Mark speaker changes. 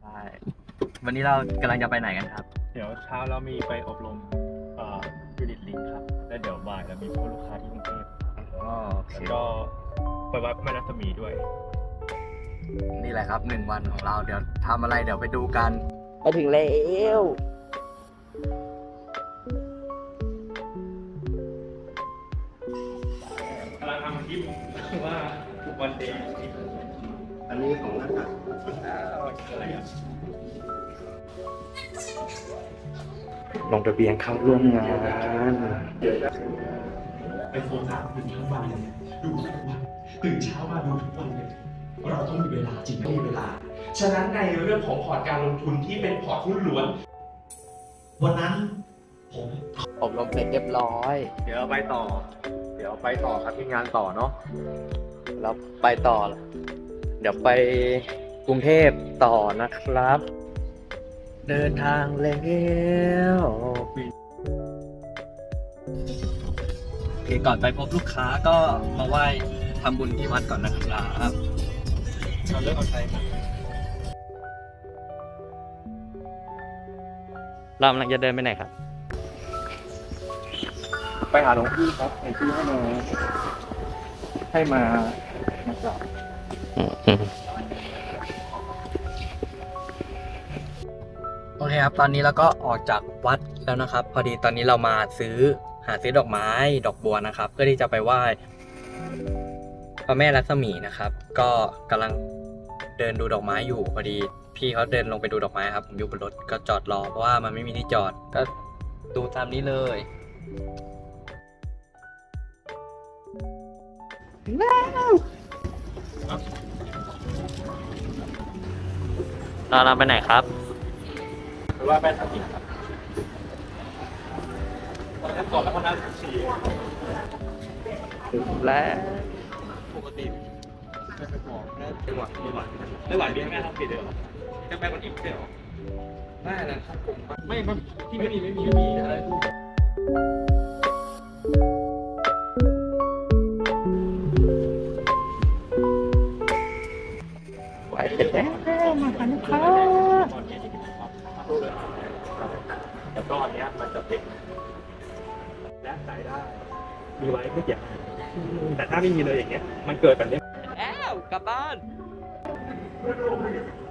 Speaker 1: ใช่วันนี้เรากำลังจะไปไหนกันครับ
Speaker 2: เดี๋ยวเช้าเรามีไปอบรมยูนิตลิงครับแล้วเดี๋ยวบ่ายเรามีพบลูกค้าที่กรุงเทพ
Speaker 1: อ๋อโอเค
Speaker 2: แล้วก็ไปวัดแม่รัศมีด้วย
Speaker 1: นี่แหละครับ1 วันของเราเดี๋ยวทำอะไรเดี๋ยวไปดูกัน
Speaker 3: ไปถึงแล้ว
Speaker 2: กำลังทำคลิปว่าวันเดย์
Speaker 1: อันนี้ของนักการ
Speaker 2: อะไรอ่ะ
Speaker 1: ลงทะเบียนเข้าร่วมงาน
Speaker 4: ไอโฟน3ตื่นทั้งวันเลยดูทุกวันตื่นเช้ามาดูทุกวันเลยเราต้องมีเวลาจริงไม่มีเวลา ฉะนั้นในเรื่องของพอร์ตการลงทุนที่เป็นพอร์ตหุ้นล้วนวันนั้นผม
Speaker 3: อบรมเสร็จเรียบร้อย
Speaker 2: เดี๋ยวไปต่อครับที่งานต่อเนาะ
Speaker 3: เราไปต่อ เดี๋ยวไปกรุงเทพต่อนะครับ เดินทางแล้วโอเคก่อนไปพบลูกค้าก็มาไหว้ทำบุญที่วัดก่อนนะครับ
Speaker 2: เราเลิกเอาใช้มา
Speaker 3: เรากำลังจะเดินไปไหนครับ
Speaker 2: ไปหาหลวงพี่ครับหลวงพี่ให้มากราบ
Speaker 3: โอเคครับ ตอนนี้เราก็ออกจากวัดแล้วนะครับ พอดีตอนนี้เรามาหาซื้อดอกไม้ดอกบัวนะครับ เพื่อที่จะไปไหว้พระแม่ลักษมีนะครับ ก็กำลังเดินดูดอกไม้อยู่พอดีพี่เขาเดินลงไปดูดอกไม้ครับผมอยู่บนรถก็จอดรอเพราะว่ามันไม่มีที่จอดก็ดูตามนี้เลยเราไปไหนครับ
Speaker 2: หรือว่าแม่ทัพทิมครับตอนนั้นก่อนแล้วก็นั่งฉี่
Speaker 3: และ
Speaker 2: ปกติไม่ไปบอกไม่หวานเบี้ยแม่ทัพทิมเลยเหรอแค่แม่คนอิ่มใช่เหรอแม่นะครับผมไม่ที่ไม่มีอะไร
Speaker 3: ไหวเสร็จแล้วมาหาลูกค้า
Speaker 2: แล้วก็อันเนี้ยมันจะเป็นและใส่ได้ มีไว้ไม่เกี่ยวแต่ถ้าไม่มีเลยอย่างเงี้ยมันเกิดแบบนี้
Speaker 3: แล้วกลับบ้าน